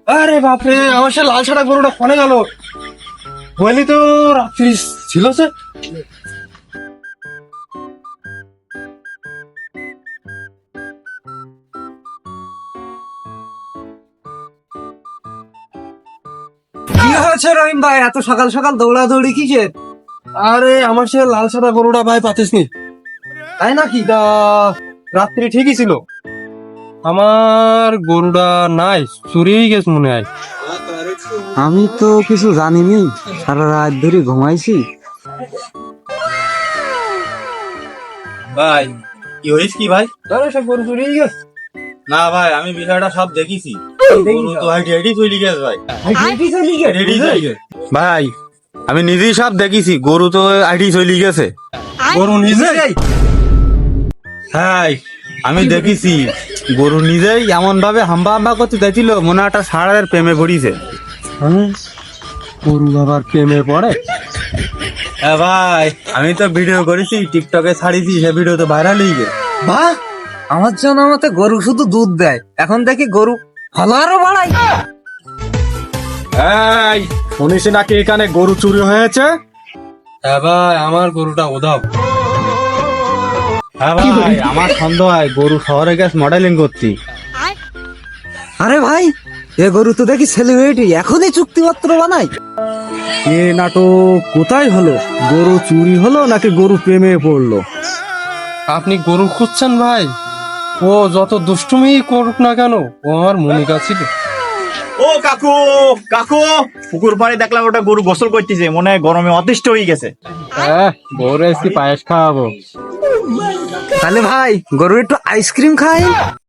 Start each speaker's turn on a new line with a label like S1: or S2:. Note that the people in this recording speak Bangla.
S1: আরে বাপরে, আমার সে লাল ছাড়া গরুটা ফোনে গেল। বলি তো রাত্রি ছিল সে।
S2: কি হয়েছে রহিম ভাই, এত সকাল সকাল দৌড়াদৌড়ি কিসের?
S1: আরে আমার সে লাল ছাড়া গরুটা ভাই পাতিস নি।
S2: তাই নাকি?
S1: তা রাত্রি ঠিকই ছিল, আমার গরুটা নাই, চুরি হয়ে গেছে মনে হয়।
S2: আমি তো কিছু জানিনি, সারা রাত ধরে ঘুমাইছি।
S3: ভাই কি হয়েছে কি ভাই?
S1: আরে সব গরু চুরি হয়ে গেছে।
S3: না ভাই, আমি বিষয়টা সব দেখেছি। গরু তো ভাই রেডি চলে গেছে ভাই। রেডি চলে গেছে ভাই, আমি নিজেই সব দেখেছি। গরু তো আইডি চলে গেছে।
S1: গরু নিজে?
S3: হ্যাঁ, আমি দেখেছি গরু নিজেই এমন ভাবে হাম্বা হাম্বা করতে দেখছিল, মনে হয় একটা ষাঁড়ের প্রেমে পড়িছে।
S1: হ্যাঁ, গরু আবার প্রেমে পড়ে?
S3: হ্যাঁ ভাই, আমি তো ভিডিও করেছি, টিকটকে ছাড়িছি, সে ভিডিও তো ভাইরাল হয়ে গেছে।
S2: বাহ, আমার জানা মতে গরু শুধু দুধ দেয়, এখন দেখি গরু ফল আরো বাড়াই।
S4: এই শুনিস নাকি এখানে গরু চুরি হয়েছে?
S1: হ্যাঁ ভাই, আমার গরুটা উধাও।
S3: হ্যাঁ ভাই, আমার সন্দেহ হয় গরু শহরে গেছে মডেলিং করতে।
S2: আরে ভাই, এ গরু তো দেখি সেলিব্রিটি, এখনই চুক্তিপত্র বানাই।
S4: এ নাটক কোথায় হলো? গরু চুরি হলো নাকি গরু প্রেমে পড়লো?
S1: আপনি গরু খুঁজছেন ভাই? ও যত দুষ্টুমি করুক না কেন, ও আমার মনিকা ছিল।
S5: ও কাকু, কাকু, পুকুর পাড়ে দেখলাম ওটা গরু গোসল করতেছে, মনে হয় গরমে অতিষ্ঠ হয়ে গেছে।
S1: হ্যাঁ, গরু এসে পায়েস খাওয়াবো।
S2: তাহলে ভাই গরু একটু আইসক্রিম খাই।